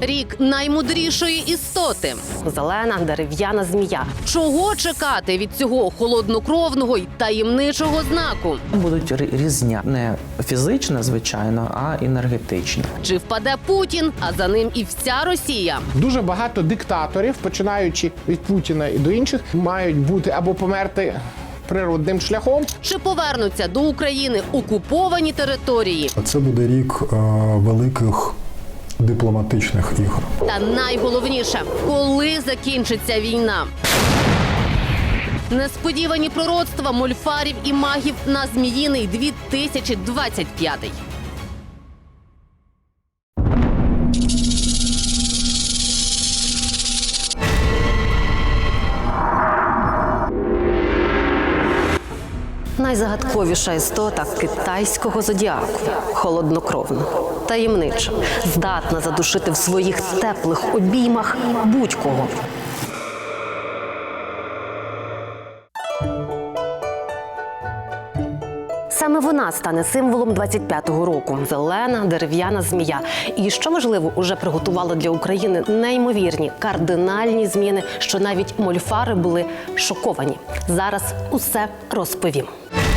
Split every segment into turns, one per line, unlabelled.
Рік наймудрішої істоти.
Зелена дерев'яна змія.
Чого чекати від цього холоднокровного й таємничого знаку?
Будуть різня. Не фізична, звичайно, а енергетична.
Чи впаде Путін, а за ним і вся Росія?
Дуже багато диктаторів, починаючи від Путіна і до інших, мають бути або померти природним шляхом.
Чи повернуться до України окуповані території?
Це буде рік великих дипломатичних ігор.
Та найголовніше, коли закінчиться війна? Несподівані пророцтва мольфарів і магів на Зміїний 2025.
Найзагадковіша істота китайського зодіаку. Холоднокровна, таємнича, здатна задушити в своїх теплих обіймах будь-кого. Саме вона стане символом 25-го року – зелена дерев'яна змія. І, що важливо, уже приготувала для України неймовірні, кардинальні зміни, що навіть мольфари були шоковані. Зараз усе розповім.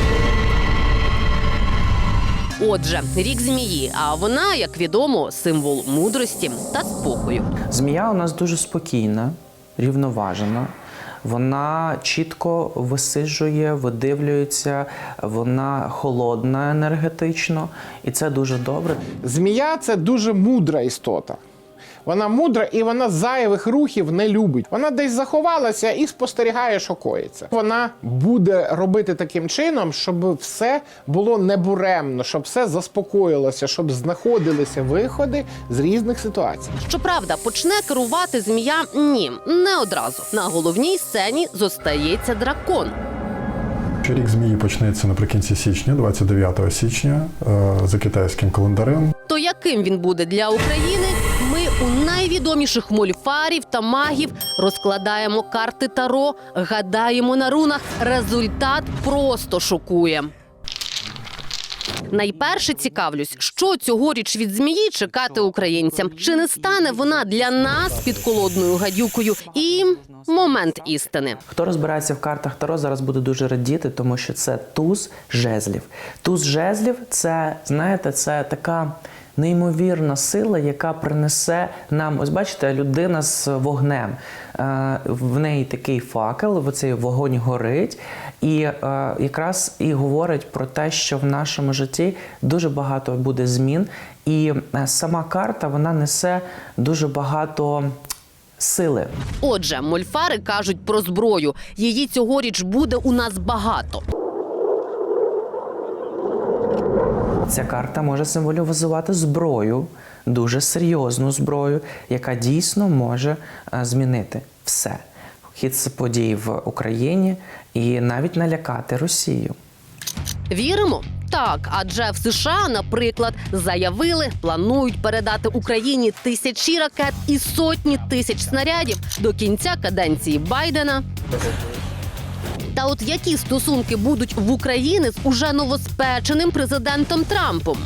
Отже, рік змії, а вона, як відомо, символ мудрості та спокою.
Змія у нас дуже спокійна, рівноважена. Вона чітко висиджує, видивлюється, вона холодна енергетично, і це дуже добре.
Змія – це дуже мудра істота. Вона мудра і вона зайвих рухів не любить. Вона десь заховалася і спостерігає, що коїться. Вона буде робити таким чином, щоб все було небуремно, щоб все заспокоїлося, щоб знаходилися виходи з різних ситуацій.
Щоправда, почне керувати змія – ні, не одразу. На головній сцені зостається дракон.
Рік змії почнеться наприкінці січня, 29 січня, за китайським календарем.
То яким він буде для України? Ми у найвідоміших мольфарів та магів розкладаємо карти Таро, гадаємо на рунах. Результат просто шокує. Найперше цікавлюсь, що цьогоріч від змії чекати українцям. Чи не стане вона для нас підколодною гадюкою? І момент істини.
Хто розбирається в картах Таро, зараз буде дуже радіти, тому що це туз жезлів. Туз жезлів – це, знаєте, це така неймовірна сила, яка принесе нам, ось бачите, людина з вогнем. В неї такий факел, оцей вогонь горить, і якраз і говорить про те, що в нашому житті дуже багато буде змін, і сама карта, вона несе дуже багато сили.
Отже, мольфари кажуть про зброю. Її цьогоріч буде у нас багато.
Ця карта може символізувати зброю, дуже серйозну зброю, яка дійсно може змінити все. Хід подій в Україні і навіть налякати Росію.
Віримо? Так, адже в США, наприклад, заявили, планують передати Україні тисячі ракет і сотні тисяч снарядів до кінця каденції Байдена. Та от які стосунки будуть в Україні з уже новоспеченим президентом Трампом?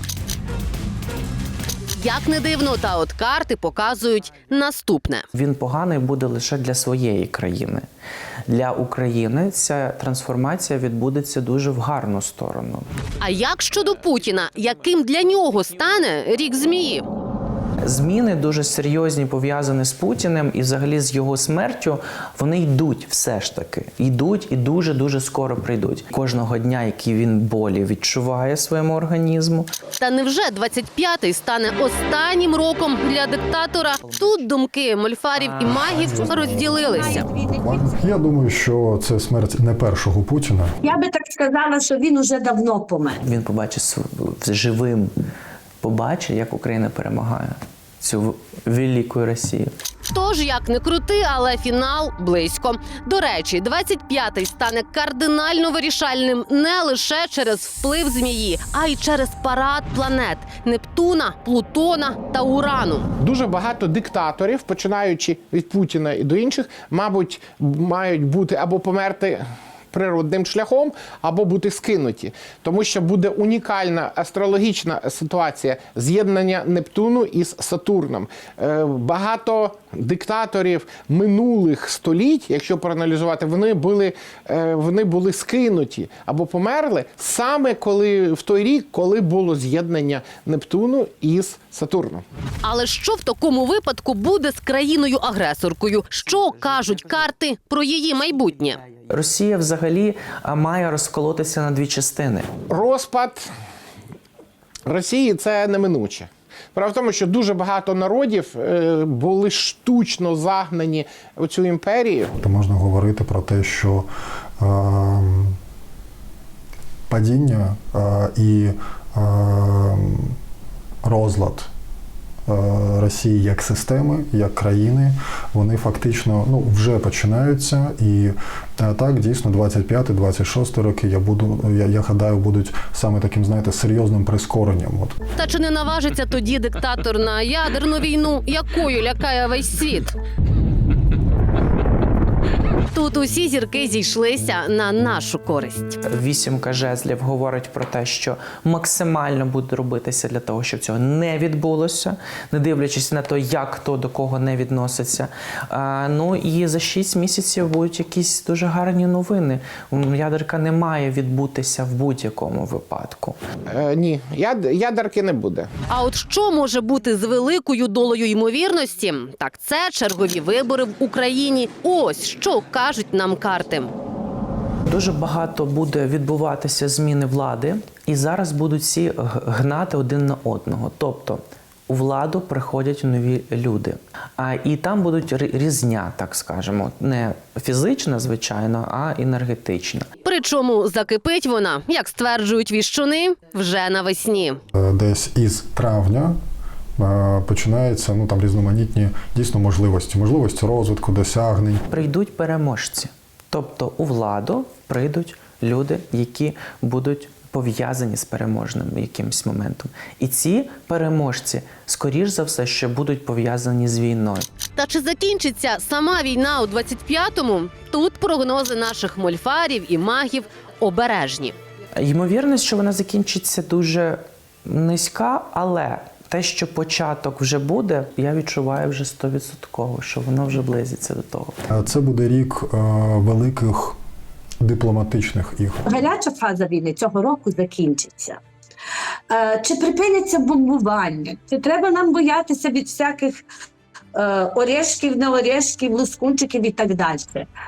Як не дивно, та от карти показують наступне.
Він поганий буде лише для своєї країни. Для України ця трансформація відбудеться дуже в гарну сторону.
А як щодо Путіна? Яким для нього стане рік змії?
Зміни дуже серйозні, пов'язані з Путіним і взагалі з його смертю, вони йдуть все ж таки. Йдуть і дуже-дуже скоро прийдуть. Кожного дня, який він болі відчуває своєму організму.
Та невже 25-й стане останнім роком для диктатора? Тут думки мольфарів і магів розділилися.
Я думаю, що це смерть не першого Путіна.
Я би так сказала, що він уже давно помер.
Він побачить живим, побачить, як Україна перемагає цю велику Росію.
Тож, як не крути, але фінал близько. До речі, 25-й стане кардинально вирішальним не лише через вплив змії, а й через парад планет – Нептуна, Плутона та Урану.
Дуже багато диктаторів, починаючи від Путіна і до інших, мабуть, мають бути або померти природним шляхом або бути скинуті. Тому що буде унікальна астрологічна ситуація з'єднання Нептуну із Сатурном. Багато диктаторів минулих століть, якщо проаналізувати, вони були скинуті або померли саме в той рік, коли було з'єднання Нептуну із Сатурном.
Але що в такому випадку буде з країною-агресоркою? Що кажуть карти про її майбутнє?
Росія взагалі має розколотися на дві частини.
Розпад Росії – це неминуче. Справа в тому, що дуже багато народів були штучно загнані у цю імперію.
То можна говорити про те, що падіння і розлад Росії як системи, як країни, вони фактично вже починаються. І так, дійсно, 25-26 роки, я гадаю, будуть саме таким, знаєте, серйозним прискоренням.
Та чи не наважиться тоді диктатор на ядерну війну, якою лякає весь світ? Тут усі зірки зійшлися на нашу користь.
Вісімка жезлів говорить про те, що максимально буде робитися для того, щоб цього не відбулося, не дивлячись на те, як хто до кого не відноситься. Ну і за 6 місяців будуть якісь дуже гарні новини. Ядерка не має відбутися в будь-якому випадку.
Ні, ядерки не буде.
А от що може бути з великою долею ймовірності? Так це чергові вибори в Україні. Ось що кажуть нам карти.
Дуже багато буде відбуватися зміни влади, і зараз будуть всі гнати один на одного. Тобто у владу приходять нові люди. І там будуть різня, так скажемо, не фізична, звичайно, а енергетична.
Причому закипить вона, як стверджують віщуни, вже навесні.
Десь із травня починаються там різноманітні дійсно можливості розвитку, досягнень.
Прийдуть переможці. Тобто у владу прийдуть люди, які будуть пов'язані з переможним якимось моментом. І ці переможці, скоріш за все, що будуть пов'язані з війною.
Та чи закінчиться сама війна у 25-му? Тут прогнози наших мольфарів і магів обережні.
Ймовірність, що вона закінчиться дуже низька, але те, що початок вже буде, я відчуваю вже 100%, що воно вже близиться до того.
Це буде рік великих дипломатичних ігор.
Гаряча фаза війни цього року закінчиться. Чи припиняться бомбування? Чи треба нам боятися від всяких орешків, не орешків, лускунчиків і так далі?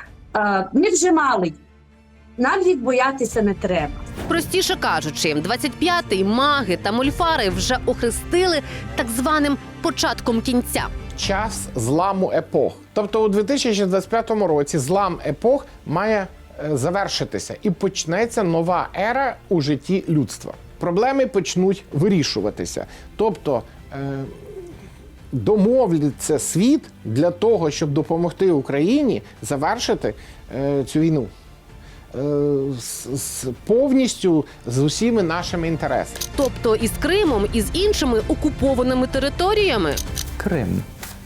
Ми вже мали їх. Нам їх боятися не треба.
Простіше кажучи, 25-й маги та мольфари вже охрестили так званим початком кінця.
Час зламу епох. Тобто у 2025 році злам епох має завершитися і почнеться нова ера у житті людства. Проблеми почнуть вирішуватися. Тобто домовляться світ для того, щоб допомогти Україні завершити цю війну. Повністю з усіма нашими інтересами.
Тобто із Кримом, і з іншими окупованими територіями.
Крим.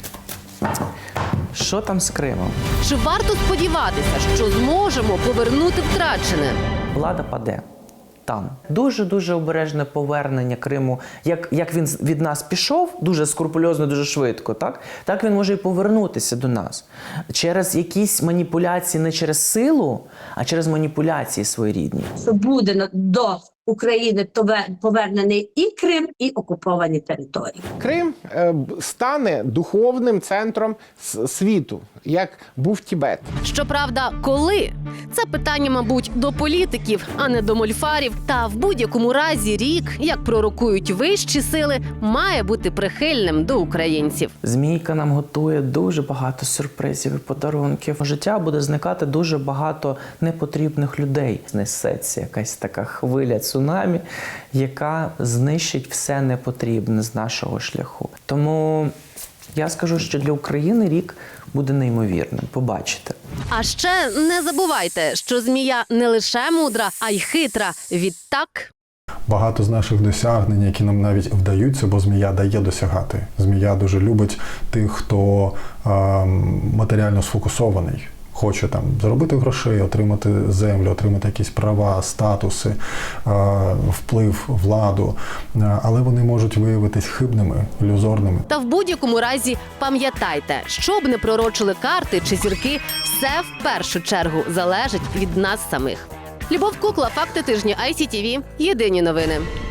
Що там з Кримом?
Чи варто сподіватися, що зможемо повернути втрачене?
Влада паде. Там. Дуже-дуже обережне повернення Криму. Як він від нас пішов, дуже скрупульозно, дуже швидко, так він може і повернутися до нас. Через якісь маніпуляції, не через силу, а через маніпуляції своєрідні.
Що буде до України повернений і Крим, і окуповані території.
Крим стане духовним центром світу, як був Тібет.
Щоправда, коли? Це питання, мабуть, до політиків, а не до мольфарів. Та в будь-якому разі рік, як пророкують вищі сили, має бути прихильним до українців.
Змійка нам готує дуже багато сюрпризів і подарунків. В життя буде зникати дуже багато непотрібних людей. Знесеться якась така хвиля цунамі, яка знищить все непотрібне з нашого шляху. Тому я скажу, що для України рік буде неймовірним. Побачите.
А ще не забувайте, що змія не лише мудра, а й хитра. Відтак...
Багато з наших досягнень, які нам навіть вдаються, бо змія дає досягати. Змія дуже любить тих, хто матеріально сфокусований, хоче там заробити грошей, отримати землю, отримати якісь права, статуси, вплив, владу, але вони можуть виявитись хибними, ілюзорними.
Та в будь-якому разі пам'ятайте, що б не пророчили карти чи зірки, все в першу чергу залежить від нас самих. Любов Кукла, факти тижня ICTV. Єдині новини.